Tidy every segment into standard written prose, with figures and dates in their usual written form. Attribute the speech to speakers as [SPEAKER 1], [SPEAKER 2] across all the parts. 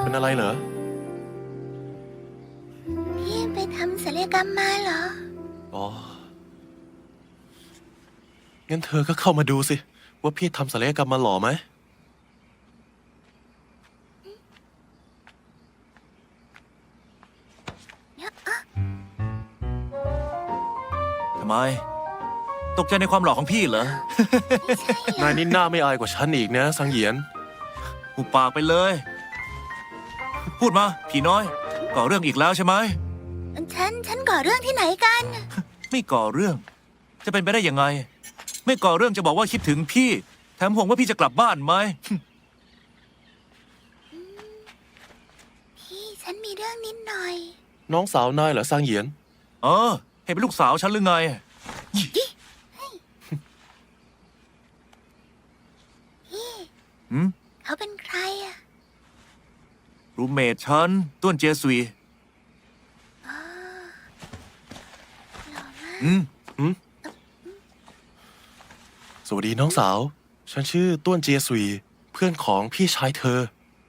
[SPEAKER 1] เป็นอะไรเหรอ
[SPEAKER 2] พี่ไปทำศัลยกรรมมาเหรอ
[SPEAKER 1] อ๋องั้นเธอก็เข้ามาดูสิว่าพี่ทำศัลยกรรมมาหล่อไหม
[SPEAKER 3] ทำไมตกใจในความหล่อของพี่เหรอ
[SPEAKER 1] นายนี่หน้าไม่อายกว่าฉันอีกนะสังเหยียน
[SPEAKER 3] หุบปากไปเลย พูดมาผีน้อยก่อเรื่องอีกแล้วใช่ไหม
[SPEAKER 2] ฉันก่อเรื่องที่ไหนกัน
[SPEAKER 3] ไม่ก่อเรื่องจะเป็นไปได้ยังไงไม่ก่อเรื่องจะบอกว่าคิดถึงพี่แถมห่วงว่าพี่จะกลับบ้านไหม
[SPEAKER 2] พี่ฉันมีเรื่องนิดหน่อย
[SPEAKER 1] น้องสาวนายเหรอสังเหยียน
[SPEAKER 3] เห็นเป็นลูกสาวฉันหรือไง
[SPEAKER 2] เขาเป็นใครอะ
[SPEAKER 3] รูมเมทฉันต้วนเจสุย
[SPEAKER 1] สวัสดีน้องสาวฉันชื่อต้วนเจียซุยเพื่อนของพี่ชายเธอ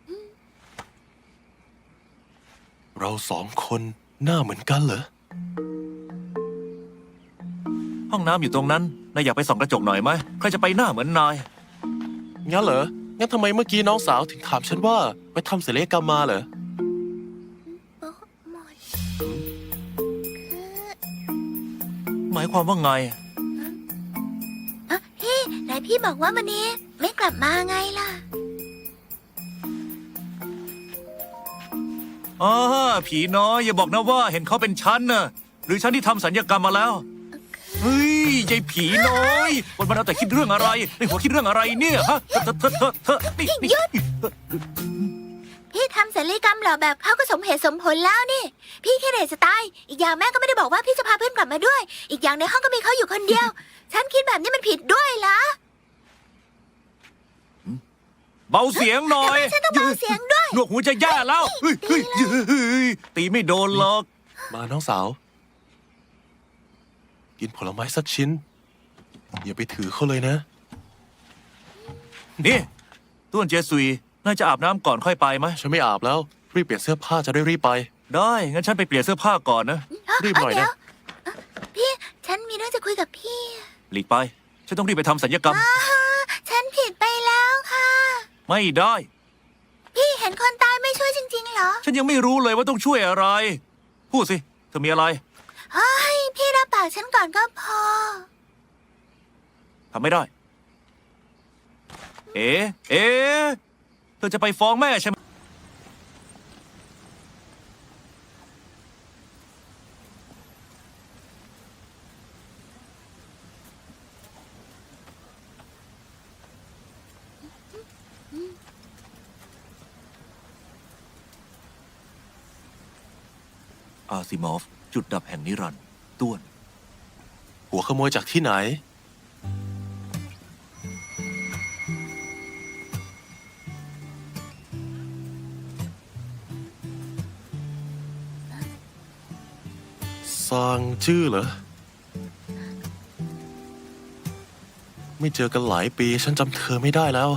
[SPEAKER 1] เราสองคนหน้าเหมือนกันเหรอ
[SPEAKER 3] ห้องน้ำอยู่ตรงนั้นนายอยากไปส่องกระจกหน่อยไหมใครจะไปหน้าเหมือนนาย
[SPEAKER 1] งั้นเหรองั้นทำไมเมื่อกี้น้องสาวถึงถามฉันว่าไปทำศัลยกรรมมาเหรอ
[SPEAKER 3] หมายความว่าไง
[SPEAKER 2] พี่ไหนพี่บอกว่าวันนี้ไม่กลับมาไงล่ะ
[SPEAKER 3] ผีน้อยอย่าบอกนะว่าเห็นเขาเป็นฉันน่ะหรือฉันที่ทำสัญญกรรมมาแล้วเฮ้ยยายผีน้อยวันเอาแต่คิดเรื่องอะไรในหัวคิดเรื่องอะไรเนี่ยฮะเธอนี่
[SPEAKER 2] หยุดพี่ทำศัลยกรรมหล่อแบบเขาก็สมเหตุสมผลแล้วนี่พี่แค่เด็กจะตายอีกอย่างแม่ก็ไม่ได้บอกว่าพี่จะพาเพื่อนกลับมาด้วยอีกอย่างในห้องก็มีเขาอยู่คนเดียวฉันคิดแบบนี้มันผิดด้วยเหรอ
[SPEAKER 3] เบาเสียงหน่อย
[SPEAKER 2] ฉันต้องเบาเสียงด้วย
[SPEAKER 3] หนวกหูจะแย่แล้วตีไม่โดนหรอก
[SPEAKER 1] มาน้องสาวกินผลไม้สักชิ้นอย่าไปถือเขาเลยนะ
[SPEAKER 3] นี่ต้วนเจสุยน่าจะอาบน้ำก่อนค่อยไปไหม
[SPEAKER 1] ฉันไม่อาบแล้วรีบเปลี่ยนเสื้อผ้าจะได้รีบไป
[SPEAKER 3] ได้งั้นฉันไปเปลี่ยนเสื้อผ้าก่อนนะ
[SPEAKER 1] รีบหน่อยนะ
[SPEAKER 2] พี่ฉันมีเรื่องจะคุยกับพี่
[SPEAKER 3] หลีกไปฉันต้องรีบไปทำศัลยกรรม
[SPEAKER 2] ฉันผิดไปแล้วค่ะ
[SPEAKER 3] ไม่ได้
[SPEAKER 2] พี่เห็นคนตายไม่ช่วยจริงๆเหรอ
[SPEAKER 3] ฉันยังไม่รู้เลยว่าต้องช่วยอะไรพูดสิเธอมีอะไร
[SPEAKER 2] เฮ้ยพี่รับปากฉันก่อนก็พอ
[SPEAKER 3] ทำไม่ได้เธอจะไปฟ้องแม่ใช่ไหมอาซิมอฟจุดดับแห่งนิรันดร์ต้วน
[SPEAKER 1] หัวขโมยจากที่ไหนซางจื้อเหรอไม่เจอกันหลายปีฉันจำเธอไม่ได้แล้ว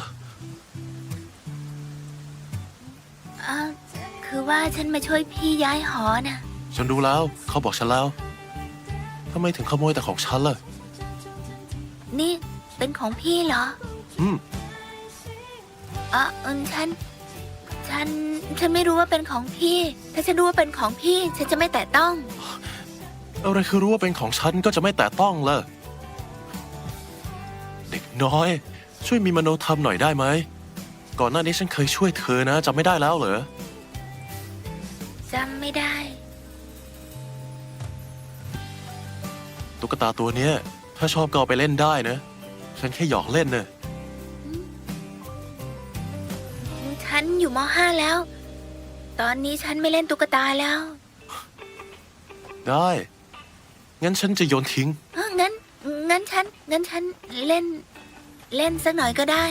[SPEAKER 2] คือว่าฉันมาช่วยพี่ย้ายหอนะ
[SPEAKER 1] ฉันรู้แล้วเขาบอกฉันแล้วทำไมถึงขโมยแต่ของฉันล่ะ
[SPEAKER 2] นี่เป็นของพี่เหรอฉันไม่รู้ว่าเป็นของพี่ถ้าฉันรู้ว่าเป็นของพี่ฉันจะไม่แตะต้อง
[SPEAKER 1] อะไรคือรู้ว่าเป็นของฉันก็จะไม่แตะต้องล่ะเด็กน้อยช่วยมีมโนธรรมหน่อยได้ไหมก่อนหน้านี้ฉันเคยช่วยเธอนะจำไม่ได้แล้วเหรอ
[SPEAKER 2] จำไม่ได้
[SPEAKER 1] ตุ๊กตาตัวเนี้ยถ้าชอบก็เอาไปเล่นได้นะฉันแค่หยอกเล่นนะ
[SPEAKER 2] ฉันอยู่ม.5 แล้วตอนนี้ฉันไม่เล่นตุ๊กตาแล้ว
[SPEAKER 1] ได้งั้นฉันจะโยนทิ้ง
[SPEAKER 2] งั้นฉันเล่นสักหน่อยก็ได้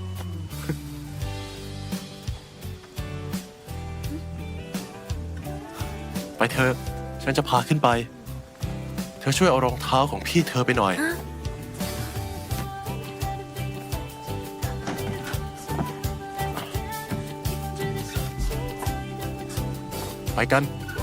[SPEAKER 1] ไปเถอะฉันจะพาขึ้นไปเธอช่วยเอารองเท้าของพี่เธอไปหน่อยไปกัน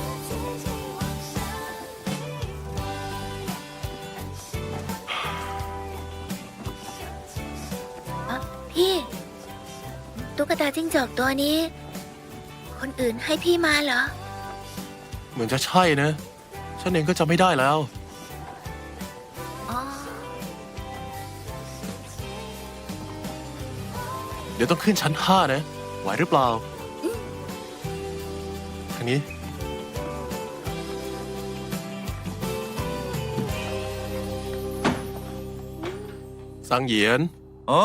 [SPEAKER 2] พี่ตุ๊กตาจิ้งจอกตัวนี้ คนอื่นให้พี่มาเหรอ
[SPEAKER 1] เหมือนจะใช่นะ ฉันเองก็จำไม่ได้แล้ว
[SPEAKER 2] อ๋อ
[SPEAKER 1] เดี๋ยวต้องขึ้นชั้น 5 นะ ไหวหรือเปล่าทางนี้สังเหยียน
[SPEAKER 3] อ๋อ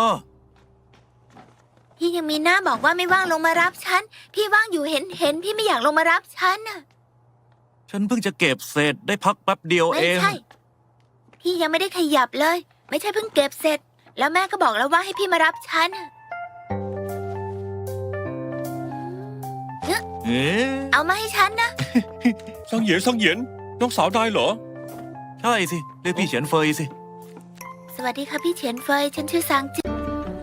[SPEAKER 2] พี่ยังมีหน้าบอกว่าไม่ว่างลงมารับฉัน พี่ว่างอยู่เห็นพี่ไม่อยากลงมารับฉันน่ะ
[SPEAKER 3] ฉันเพิ่งจะเก็บเศษได้พักแป๊บเดียว
[SPEAKER 2] ไม่
[SPEAKER 3] เอง
[SPEAKER 2] ใช่ พี่ยังไม่ได้ขยับเลย ไม่ใช่เพิ่งเก็บเสร็จ แล้วแม่ก็บอกแล้วว่าให้พี่มารับฉันน่ะ
[SPEAKER 3] เอ๊ะ
[SPEAKER 2] เอามาให้ฉันนะ
[SPEAKER 4] สังเหยียนสังเหยียนน้องสาวนายเหรอ
[SPEAKER 3] ใช่สิเรียกพี่เฉียนเฟยสิ
[SPEAKER 2] สวัสดีค่ะพี่เฉียนเฟย ฉันชื่อซางจื้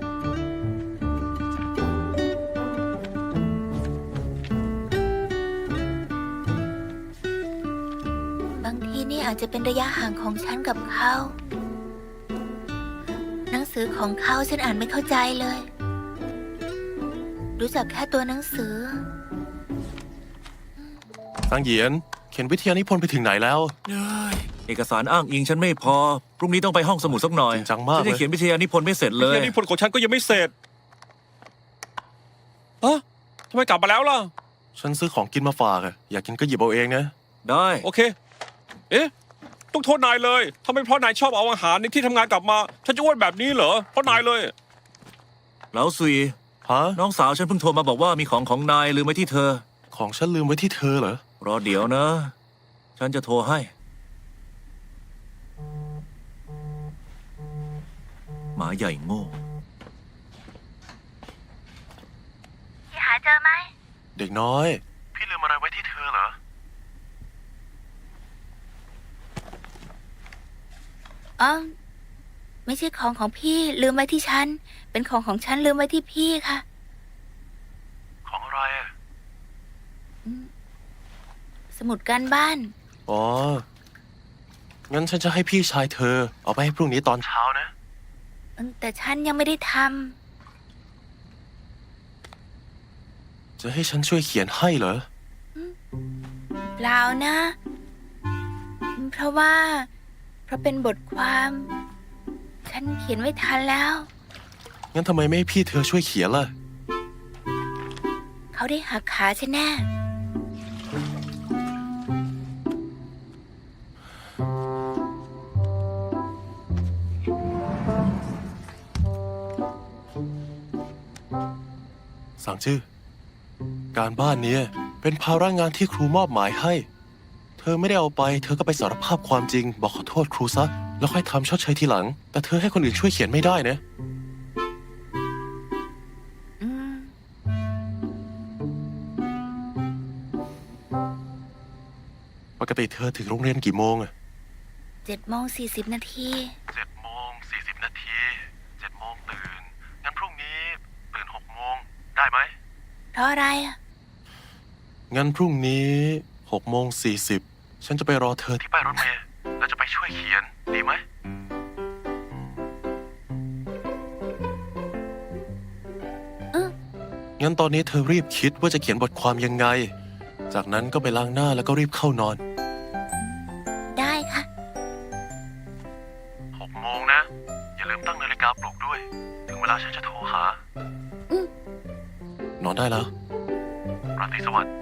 [SPEAKER 2] อบางทีนี่อาจจะเป็นระยะห่างของฉันกับเขา หนังสือของเขาฉันอ่านไม่เข้าใจเลย รู้จักแค่ตัวหนังสือ
[SPEAKER 1] สังเหยียน เขียนวิทยานิพนธ์ไปถึงไหนแล้ว
[SPEAKER 3] เอกสารอ้างอิงฉันไม่พอ พรุ่งนี้ต้องไปห้องสมุดสักหน่อย
[SPEAKER 1] จริงจังมาก
[SPEAKER 3] ฉัน
[SPEAKER 1] เลย
[SPEAKER 3] จะเขียนวิทยานิพนธ์ไม่เสร็จเลย
[SPEAKER 4] เรื่องนี้ผลของฉันก็ยังไม่เสร็จอะทำไมกลับมาแล้วล่ะ
[SPEAKER 1] ฉันซื้อของกินมาฝากอะอยากกินก็หยิบเอาเองนะ
[SPEAKER 3] ได้
[SPEAKER 4] โอเค เอ๊ะ ต้องโทษนายเลยทำไมเพราะนายชอบเอาอาหารในที่ทำงานกลับมา ฉันจะอ้วนแบบนี้เหรอ เพราะนายเลย
[SPEAKER 3] แล้วซุย
[SPEAKER 1] ฮะ
[SPEAKER 3] น้องสาวฉันเพิ่งโทรมาบอกว่ามีของนายลืมไว้ที่เธอ
[SPEAKER 1] ของฉันลืมไว้ที่เธอเหรอ
[SPEAKER 3] รอเดี๋ยวนะ ฉันจะโทรให้ หมาใหญ่โง่
[SPEAKER 2] พี่หาเจอไหม
[SPEAKER 1] เด็กน้อย พี่ลืมอะไรไว้ที่เธอเหรอ
[SPEAKER 2] อ๋อ ไม่ใช่ของพี่ลืมไว้ที่ฉัน เป็นของฉันลืมไว้ที่พี่ค่ะ
[SPEAKER 1] ของอะไรอะ
[SPEAKER 2] สมุดการบ้าน
[SPEAKER 1] อ๋อ งั้นฉันจะให้พี่ชายเธอ เอาไปให้พรุ่งนี้ตอนเช้านะ
[SPEAKER 2] แต่ฉันยังไม่ได้ท
[SPEAKER 1] จะให้ฉันช่วยเขียนให้เหรอ
[SPEAKER 2] ำเปล่านะ เพราะเป็นบทความ ฉันเขียนไม่ทันแล้ว
[SPEAKER 1] งั้นทำไมไม่ให้พี่เธอช่วยเขียนล่ะ
[SPEAKER 2] เขาได้หักขาฉันแน่
[SPEAKER 1] สั่งชื่อ การบ้านเนี้ยเป็นภาระงานที่ครูมอบหมายให้ เธอไม่ได้เอาไป เธอก็ไปสารภาพความจริง บอกขอโทษครูซะ แล้วค่อยทำชดเชยทีหลัง แต่เธอให้คนอื่นช่วยเขียนไม่ได้นะ
[SPEAKER 2] อืม
[SPEAKER 1] ปกติเธอถึงโรงเรียนกี่โมงอะ
[SPEAKER 2] 7:40 นาที
[SPEAKER 1] 7 โมง 40 นาที 7 โมงตื่น งั้นพรุ่งนี้ตื่น 6 โมง ได้ไหม
[SPEAKER 2] เพราะอะไรอ่ะ
[SPEAKER 1] งั้นพรุ่งนี้6 โมง 40 ฉันจะไปรอเธอที่ป้ายรถเมล์แล้วจะไปช่วยเขียน ดีไหม งั้นตอนนี้เธอรีบคิดว่าจะเขียนบทความยังไง จากนั้นก็ไปล้างหน้าแล้วก็รีบเข้านอน
[SPEAKER 2] ได้ค่ะ
[SPEAKER 1] 6 โมงนะ อย่าลืมตั้งนาฬิกาปลุกด้วย ถึงเวลาฉันจะโทรหา
[SPEAKER 2] อืม
[SPEAKER 1] นอนได้แล้ว ราตรีสวัสดิ์